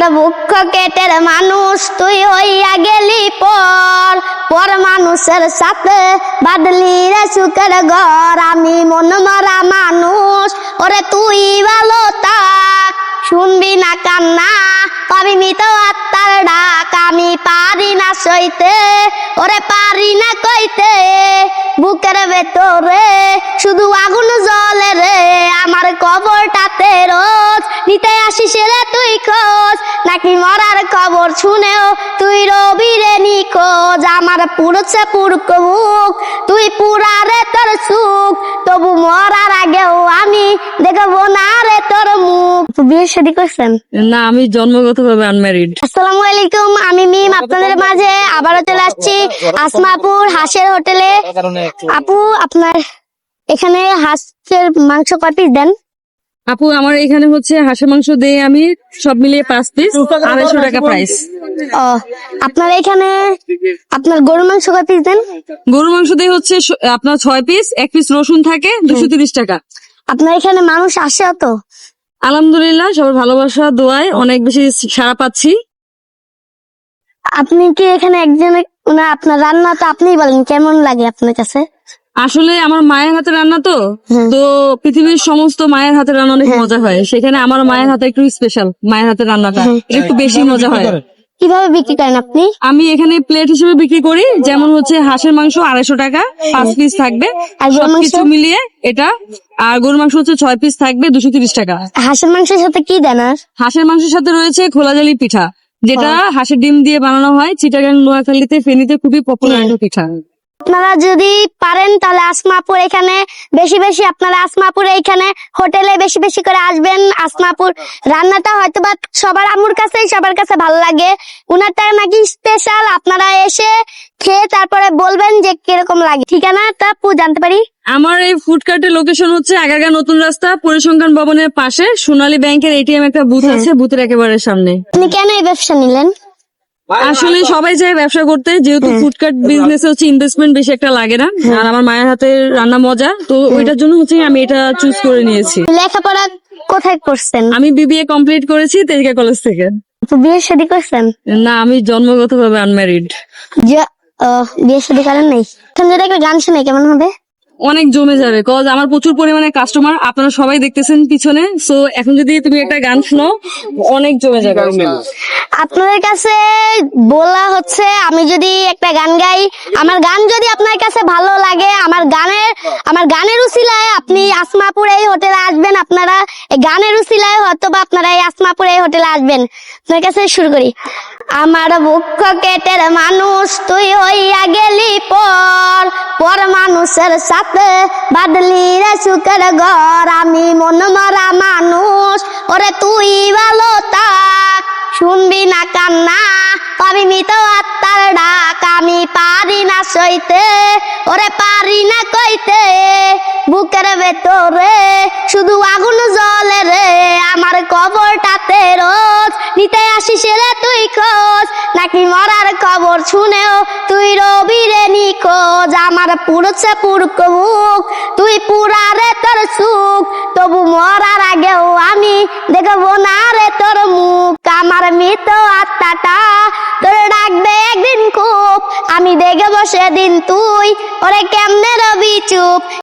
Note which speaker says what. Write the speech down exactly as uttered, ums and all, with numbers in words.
Speaker 1: বুক কেটের মানুষ তুই হইয়া গেলি পর পর মানুষের সাথে বাদলি রে সুখের ঘর। আমি মন মরা মানুষ ওরে তুই ভালো থাক, শুনবি না কান্না পাবি মৃত আত্মার ডাক। আমি পারি না সইতে ওরে পারি না কইতে, বুকের ভেতরে শুধু আগুন জ্বলে রে। আমার কবরটাতে রোজ নিতে আসিস রে তুই খোঁজ, নাকি মরার খবর শুনেও তুই রবি রে নিখোঁজ। আমার পুড়ছে পুরক মুখ তুই পুরা রে তোর সুখ, তবু মরার আগেও আমি দেখবো না রে তোর মুখ। বিয়ে শাদী করছেন?
Speaker 2: না, আমি জন্মগত ভাবে আনম্যারিড।
Speaker 1: আসসালামু আলাইকুম, আমি মিম আপনাদের মাঝে আবারও চলে আসছি আসমাপুর হাঁসের হোটেলে। আপু, আপনার এখানে হাঁসের মাংস কয় পিস দেন?
Speaker 2: আপু, আমার এখানে হচ্ছে হাঁসের মাংস দিয়ে আমি সব মিলিয়ে পাঁচ পিস, আড়াইশো টাকা প্রাইস।
Speaker 1: ও, আপনার এখানে আপনার গরুর মাংস কয় পিস দেন?
Speaker 2: গরুর মাংস দিয়ে হচ্ছে স- আপনার ছয় পিস, এক পিস রসুন থাকে, দুশো তিরিশ টাকা।
Speaker 1: আপনার এখানে মানুষ আসে তো?
Speaker 2: আলহামদুলিল্লাহ, সবার ভালোবাসা দোয়ায় অনেক বেশি সাড়া পাচ্ছি।
Speaker 1: আপনি কি এখানে একজন না, আপনার রান্না তো আপনিই বলেন কেমন লাগে আপনার কাছে?
Speaker 2: আসলে আমার মায়ের হাতে রান্না তো
Speaker 1: হুম।
Speaker 2: তো পৃথিবীর সমস্ত মায়ের হাতে রান্না অনেক মজা হয়, সেখানে আমার মায়ের হাতে একটু স্পেশাল, মায়ের হাতে রান্নাটা এটা একটু বেশি মজা হয়।
Speaker 1: কিভাবে বিক্রি করেন আপনি?
Speaker 2: আমি এখানে প্লেট হিসেবে বিক্রি করি, যেমন হচ্ছে হাঁসের মাংস আড়াইশো টাকা, পাঁচ পিস থাকবে
Speaker 1: আর গরুর মাংস?
Speaker 2: সবকিছু মিলিয়ে এটা। আর গরুর মাংস হচ্ছে ছয় পিস থাকবে, দুশো তিরিশ টাকা।
Speaker 1: হাঁসের মাংসের সাথে কি দেন? আর
Speaker 2: হাঁসের মাংসের সাথে রয়েছে খোলাজালি পিঠা, যেটা হাঁসের ডিম দিয়ে বানানো হয়। চিটাগাং, নোয়াখালীতে, ফেনীতে খুবই পপুলার একটা পিঠা।
Speaker 1: আপনারা যদি পারেন তাহলে আসমাপুর এখানে বেশি বেশি আপনারা আসমাপুর এইখানে হোটেলে বেশি বেশি করে আসবেন। আসমাপুর রান্নাটা হয়তো বা সবার আমুর কাছে সবার কাছে ভালো লাগে, উনারটা নাকি স্পেশাল। আপনারা এসে খেয়ে তারপরে বলবেন যে কিরকম লাগে। ঠিকানাটা আপু জানতে পারি?
Speaker 2: আমার এই ফুড কার্টের লোকেশন হচ্ছে আগারগাঁ নতুন রাস্তা, পরিসংখ্যান ভবনের পাশে সোনালী ব্যাংকের এটিএম একটা বুথ আছে, বুথের একেবারে সামনে।
Speaker 1: আপনি কেন এই ব্যবসা নিলেন?
Speaker 2: আসলে সবাই চায় ব্যবসা করতে, যেহেতু ফুডকার্ট বিজনেস হচ্ছে ইনভেস্টমেন্ট বেশি একটা লাগে না, আর আমার মায়ের হাতে রান্না মজা, তো ওইটার জন্য হচ্ছে আমি এটা চুজ করে নিয়েছি।
Speaker 1: লেখাপড়া কোথায় করছেন?
Speaker 2: আমি বিবিএ কমপ্লিট করেছি তেজগা কলেজ থেকে।
Speaker 1: আপু, বিয়ে শাদী করছেন?
Speaker 2: না, আমি জন্মগত ভাবে আনম্যারিড।
Speaker 1: যে আহ, বিয়ে শাদী করেন নাই? এখন যদি একটা গান শুনে কেমন হবে?
Speaker 2: অনেক জমে যাবে, কজ আমার প্রচুর পরিমাণে কাস্টমার, আপনারা সবাই দেখতেছেন পিছনে। সো এখন যদি তুমি একটা গান শোনো, অনেক জমে যাবে।
Speaker 1: আপনাদের কাছে বলা হচ্ছে আমি যদি একটা গান গাই, আমার গান যদি আপনার কাছে ভালো লাগে, আমার গানের আমার গানের উসিলায় আপনি আসমাপুর এই হোটেলে আসবেন। আপনারা এই গানের উসিলায় হয়তো বা আপনারা এই আসমাপুর এই হোটেলে আসবেন। আপনার কাছে শুরু করি। আমার বুক কেটের মানুষ তুই হইয়া গেলি পর পর মানুষের সাথে বাদলি রে সুখের ঘর। আমি মন মরা মানুষ ওরে তুই ভালো থাক, শুনবি না কান্না পাবি মৃত আত্মার ডাক। আমি পারি না সইতে ওরে পারি না কইতে, বুকের ভেতরে শুধু আগুন জ্বলে রে। আমার কবরটাতে রোজ নিতে আসিস রে তুই খোঁজ, নাকি মরার খবর শুনেও তুই রবি রে নিখোঁজ। আমার পুড়ছে পুরক মুখ তুই পুরা রে তোর সুখ, তবু মরার আগেও আমি দেখবো না রে তোর মুখ। আমার মৃত আত্মাটা তোর ডাকবে একদিন খুব, আমি দেখবো সেদিন তুই ওরে কেমনে রবি চুপ।